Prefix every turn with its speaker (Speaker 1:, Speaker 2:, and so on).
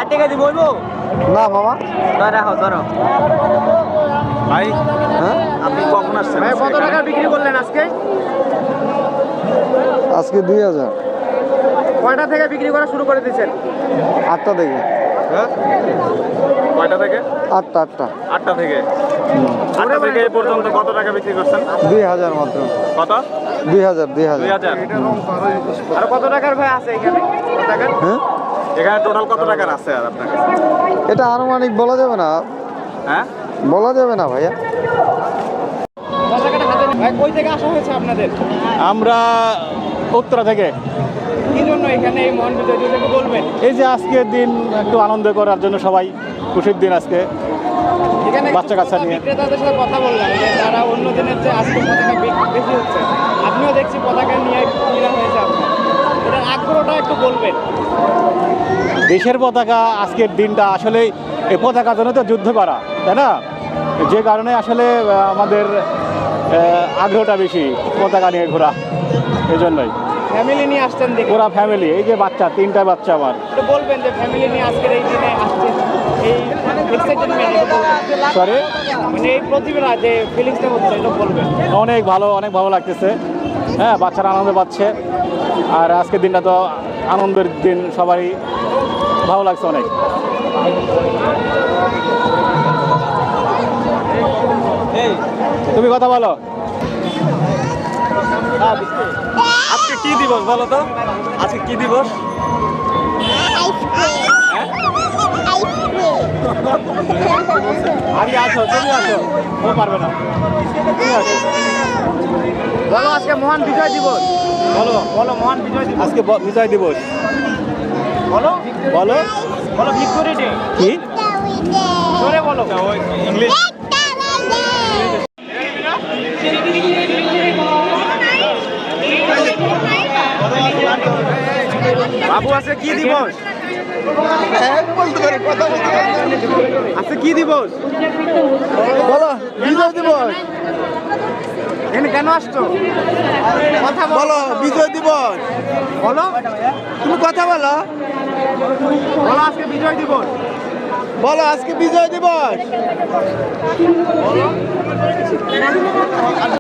Speaker 1: টাকা দিব হইব
Speaker 2: না মামা।
Speaker 1: রাখো ধরো
Speaker 3: ভাই
Speaker 2: হ্যাঁ
Speaker 3: আপনি কখন আসছেন?
Speaker 1: ভাই কত টাকা বিক্রি করলেন আজকে?
Speaker 2: আজকে 2000।
Speaker 1: কয়টা থেকে বিক্রি করা শুরু করে দিয়েছেন?
Speaker 2: 8টা থেকে।
Speaker 3: হ্যাঁ কয়টা থেকে?
Speaker 2: 8টা।
Speaker 3: 8টা থেকে। 8টা থেকে এই পর্যন্ত কত টাকা বিক্রি করছেন?
Speaker 2: 2000 মাত্র।
Speaker 3: কত?
Speaker 2: 2000।
Speaker 3: 2000।
Speaker 1: আর কত টাকার ভাই আছে এখানে? কত টাকার?
Speaker 2: হ্যাঁ
Speaker 3: এখানে টোটাল কত টাকার আছে আর আপনার কাছে?
Speaker 2: এটা আনুমানিক বলা যাবে না,
Speaker 3: হ্যাঁ
Speaker 2: বলা যাবে না ভাইয়া।
Speaker 1: কত টাকাটা হাতে ভাই কই থেকে আসা হয়েছে আপনাদের?
Speaker 4: আমরা উত্তরা থেকে।
Speaker 1: কি জন্য এখানে এই মহান বিজয় দিবসকে বলবেন?
Speaker 4: এই যে আজকের দিন একটু আনন্দ করার জন্য, সবাই খুশির দিন আজকে।
Speaker 1: এখানে
Speaker 4: বাচ্চা কাচ্চা নিয়ে।
Speaker 1: বিক্রেতাদের সাথে কথা বললাম যে তারা অন্য দিনের চেয়ে আজকে পতাকা বেশি হচ্ছে। আপনিও দেখছি পতাকা নিয়ে কিনা হয়েছে আপনার, এটার আগ্রহটা একটু বলবেন।
Speaker 4: দেশের পতাকা আজকের দিনটা আসলে এই পতাকার জন্য তো যুদ্ধ করা, তাই না? যে কারণে আসলে আমাদের আগ্রহটা বেশি পতাকা নিয়ে ঘোরা, এই জন্যই।
Speaker 1: ফ্যামিলি নিয়ে আসছেন দেখে
Speaker 4: পুরা ফ্যামিলি, এই যে বাচ্চা, 3টা বাচ্চা আমার।
Speaker 1: একটু বলবেন যে ফ্যামিলি নিয়ে আজকের এই দিনে আসছেন, এই এক্সাইটেডমেন্ট
Speaker 4: সরি,
Speaker 1: মানে এই প্রতিভা যে ফিলিংসটা হচ্ছে এটা বলবেন।
Speaker 4: অনেক ভালো লাগতেছে। হ্যাঁ, বাচ্চারা আনন্দ পাচ্ছে। আর আজকের দিনটা তো আনন্দের দিন, সবারই ভালো লাগছে অনেক। তুমি কথা বলো।
Speaker 3: আজকে কি দিবস বলো তো? আজকে কি দিবস?
Speaker 4: আগে আসো, তুমি আসো, ও পারবে না। তুমি আসো।
Speaker 1: বলো আজকে মহান বিজয় দিবস।
Speaker 4: বলো
Speaker 1: বলো মহান বিজয় দিবস।
Speaker 4: আজকে বিজয় দিবস।
Speaker 1: বলো
Speaker 4: বলো
Speaker 1: বলো ভিক্টোরি ডে।
Speaker 4: কি?
Speaker 1: জোরে বলো।
Speaker 3: ইংলিশ।
Speaker 1: বাবু আজকে কি দিবস? আজকে কি দিবস?
Speaker 2: বলো বিজয় দিবস।
Speaker 1: এখানে কেন আসছো? কথা
Speaker 2: বলো বিজয় দিবস।
Speaker 1: বলো
Speaker 2: তুমি কথা বলো।
Speaker 1: বলো আজকে বিজয় দিবস।
Speaker 2: বলো আজকে বিজয় দিবস।